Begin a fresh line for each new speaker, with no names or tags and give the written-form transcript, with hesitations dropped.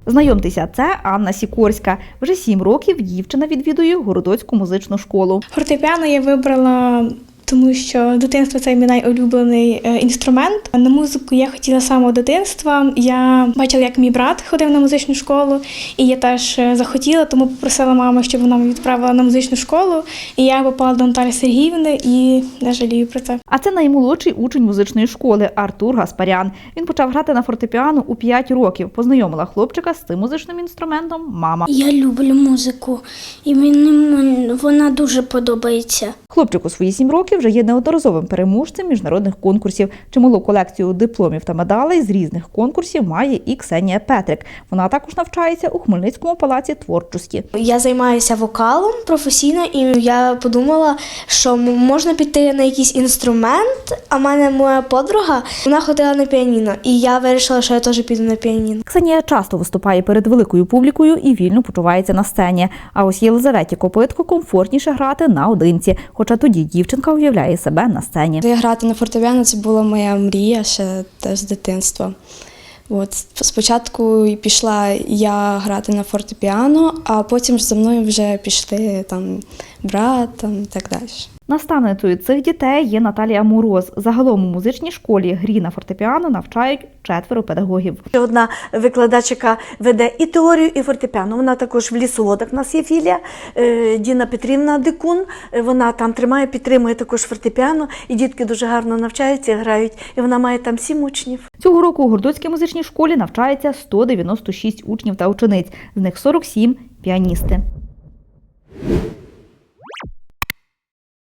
Знайомтеся, це Анна Сікорська. Вже 7 років дівчина відвідує Городоцьку музичну школу.
Фортепіано я вибрала, тому що дитинство – це мій найулюблений інструмент. На музику я хотіла з самого дитинства. Я бачила, як мій брат ходив на музичну школу, і я теж захотіла, тому попросила маму, щоб вона мене відправила на музичну школу. І я попала до Наталі Сергіївни і не жалію про це.
А це наймолодший учень музичної школи Артур Гаспарян. Він почав грати на фортепіано у 5 років. Познайомила хлопчика з цим музичним інструментом мама.
Я люблю музику, і мені вона дуже подобається.
Хлопчик у свої 7 років вже є неодноразовим переможцем міжнародних конкурсів. Чималу колекцію дипломів та медалей з різних конкурсів має і Ксенія Петрик. Вона також навчається у Хмельницькому палаці творчості.
Я займаюся вокалом професійно, і я подумала, що можна піти на якийсь інструмент, а в мене моя подруга, вона ходила на піаніно, і я вирішила, що я теж піду на піаніно.
Ксенія часто виступає перед великою публікою і вільно почувається на сцені. А ось Єлизаветі Копитко комфортніше грати наодинці, хоча тоді дівчинка уявляє себе на сцені.
Грати на фортепіано – це була моя мрія ще теж з дитинства. Спочатку пішла я грати на фортепіано, а потім за мною вже пішли брат і так далі.
Наставницею цих дітей є Наталія Мороз. Загалом у музичній школі грі на фортепіано навчають 4 педагогів.
Одна викладачка веде і теорію, і фортепіано. Вона також в Лісоводах, у нас є філія, Діна Петрівна Дикун. Вона там тримає, підтримує також фортепіано, і дітки дуже гарно навчаються, грають. І вона має там 7 учнів.
Цього року у Городоцькій музичній школі навчається 196 учнів та учениць, з них 47 – піаністи.